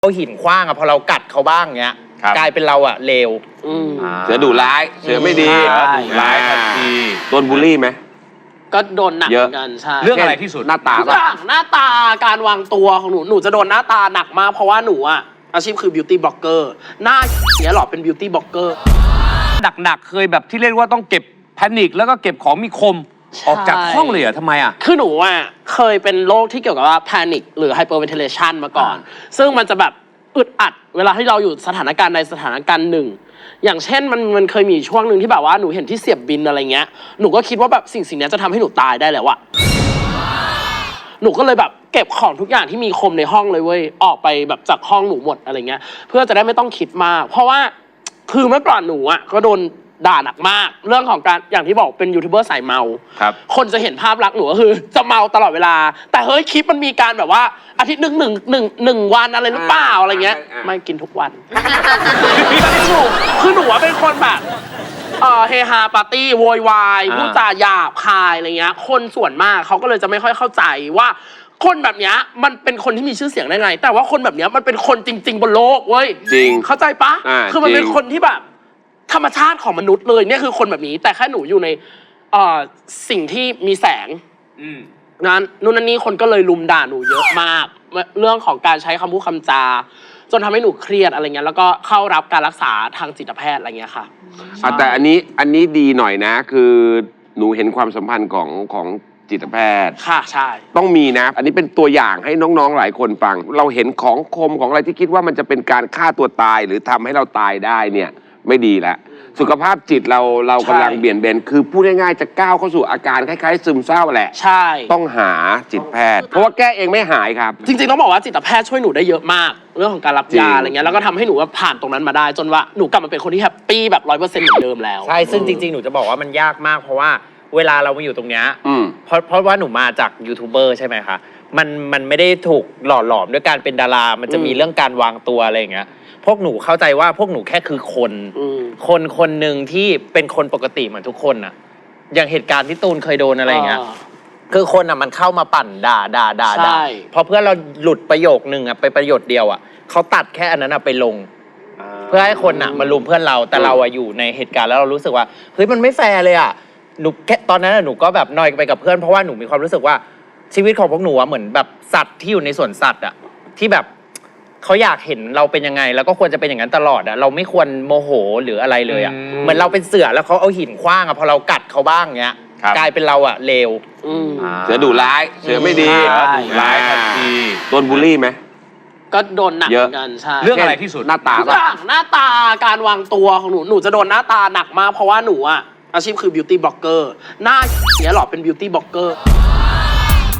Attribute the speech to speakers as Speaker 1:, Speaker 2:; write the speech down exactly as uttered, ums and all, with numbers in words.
Speaker 1: เอาหินขว้างอะพอเรากัดเขาบ้างเงี้ยกลายเป็นเราอะเลว
Speaker 2: เสือดุร้ายเสือไม่ดี
Speaker 3: ร้ายทันที
Speaker 2: โดนบูลลี่ไหม
Speaker 4: ก็โดนหนักเหมือนกันใช่
Speaker 3: เรื่องอะไรที่สุด
Speaker 2: หน้าตา
Speaker 4: ทุกอย่างหน้าตาการวางตัวของหนูหนูจะโดนหน้าตาหนักมากเพราะว่าหนูอะอาชีพคือบิวตี้บล็อกเกอร์หน้าเสียหรอเป็นบิวตี้บล็อกเกอร์
Speaker 3: หนักๆเคยแบบที่เรียกว่าต้องเก็บแพนิคแล้วก็เก็บของมีคมออกจากห้องเลยเหรอทำไมอ่ะ
Speaker 4: คือหนูอ่ะเคยเป็นโรคที่เกี่ยวกับว่าแพนิคหรือไฮเปอร์เวนทิเลชันมาก่อนซึ่งมันจะแบบอึดอัดเวลาที่เราอยู่สถานการณ์ในสถานการณ์หนึ่งอย่างเช่นมันมันเคยมีช่วงหนึ่งที่แบบว่าหนูเห็นที่เสียบบินอะไรเงี้ยหนูก็คิดว่าแบบสิ่งสิ่งนี้จะทำให้หนูตายได้แล้วอะหนูก็เลยแบบเก็บของทุกอย่างที่มีคมในห้องเลยเว้ยออกไปแบบจากห้องหนูหมดอะไรเงี้ยเพื่อจะได้ไม่ต้องคิดมากเพราะว่าคือเมื่อก่อนหนูอะก็โดนด่าหนักมากเรื่องของการอย่างที่บอกเป็นยูทูบเบอร์สายเมา
Speaker 2: ครับ
Speaker 4: คนจะเห็นภาพลักษณ์หนูก็คือจะเมาตลอดเวลาแต่เฮ้ยคลิปมันมีการแบบว่าอาทิตย์หนึ่งหนึ่งหนึ่งหนึ่งวันอะไรหรือเปล่าอะไรเงี้ยไม่กินทุกวันคือหนูเป็นคนแบบเออเฮฮาปาร์ตี้โวยวายพูดจาหยาบคายอะไรเงี้ยคนส่วนมากเขาก็เลยจะไม่ค่อยเข้าใจว่าคนแบบเนี้ยมันเป็นคนที่มีชื่อเสียงได้ไงแต่ว่าคนแบบเนี้ยมันเป็นคนจริงๆบนโลกเว้ย
Speaker 2: จริง
Speaker 4: เข้าใจปะคือมันเป็นคนที่แบบธรรมชาติของมนุษย์เลยเนี่ยคือคนแบบนี้แต่แค่หนูอยู่ในเอ่อสิ่งที่มีแสงนั้นนู่นนั่นนี่คนก็เลยลุมด่าหนูเยอะมากเรื่องของการใช้คำพูดคำจาจนทำให้หนูเครียดอะไรเงี้ยแล้วก็เข้ารับการรักษาทางจิตแพทย์อะไรเงี้ยค่ะ
Speaker 2: แต่อันนี้อันนี้ดีหน่อยนะคือหนูเห็นความสัมพันธ์ของของจิตแพทย์
Speaker 4: ค่ะใช่
Speaker 2: ต้องมีนะอันนี้เป็นตัวอย่างให้น้องๆหลายคนฟังเราเห็นของคมของอะไรที่คิดว่ามันจะเป็นการฆ่าตัวตายหรือทำให้เราตายได้เนี่ยไม่ดีแล้วสุขภาพจิตเราเรากำลังเบี่ยนเบนคือพูดง่ายๆจะก้าวเข้าสู่อาการคล้ายๆซึมเศร้าแหละ
Speaker 4: ใช่
Speaker 2: ต้องหาจิตแพทย์เพราะว่าแก้เองไม่หายครับ
Speaker 4: จริงๆต้องบอกว่าจิตแพทย์ช่วยหนูได้เยอะมากเรื่องของการรับยาอะไรเงี้ยแล้วก็ทำให้หนูว่าผ่านตรงนั้นมาได้จนว่าหนูกลับมาเป็นคนที่แฮปปี้แบบร้อยเปอร์เซ็นต์เหมือนเดิมแล้ว
Speaker 1: ใช่ซึ่งจริงๆหนูจะบอกว่ามันยากมากเพราะว่าเวลาเรามาอยู่ตรงเนี้ยเพราะเพราะว่าหนูมาจากยูทูบเบอร์ใช่ไหมคะมันมันไม่ได้ถูกหล่อหลอมด้วยการเป็นดารามันจะมีเรื่องการวางตัวอะไรอย่างเงี้ยพวกหนูเข้าใจว่าพวกหนูแค่คือคนคนคนหนึ่งที่เป็นคนปกติเหมือนทุกคนอะอย่างเหตุการณ์ที่ตูนเคยโดนอะไรเงี้ยคือคนอะมันเข้ามาปั่นด่าด่าด่าด่าพอเพื่อนเราหลุดประโยคนึงอะไปประโยคเดียวอะเขาตัดแค่อันนั้นอะไปลงเพื่อให้คนอะมาลุมเพื่อนเราแต่เราอะอยู่ในเหตุการณ์แล้วเรารู้สึกว่าเฮ้ยมันไม่แฟร์เลยอะหนูแค่ตอนนั้นหนูก็แบบนอยไปกับเพื่อนเพราะว่าหนูมีความรู้สึกว่าชีวิตของพวกหนูอะเหมือนแบบสัตว์ที่อยู่ในสวนสัตว์อะที่แบบเขาอยากเห็นเราเป็นยังไงแล้วก็ควรจะเป็นอย่างนั้นตลอดอะเราไม่ควรโมโหหรืออะไรเลยอะเหมือนเราเป็นเสือแล้วเขาเอาหินขว้างอะพอเรากัดเขาบ้างเงี้ยกลายเป็นเราอะเลว
Speaker 2: เสือดุร้ายเสือไม่ดี
Speaker 3: ร้ายทันที
Speaker 2: โดนบูลลี่ไหม
Speaker 4: ก็โดนหนักเหมือนกันใช่
Speaker 3: เรื่องอะไรที่สุด
Speaker 2: หน้าตา
Speaker 4: ทุกอย่างหน้าตาการวางตัวของหนูหนูจะโดนหน้าตาหนักมากเพราะว่าหนูอะอาชีพคือบิวตี้บล็อกเกอร์หน้าเสียหรอเป็นบิวตี้บล็อกเกอร์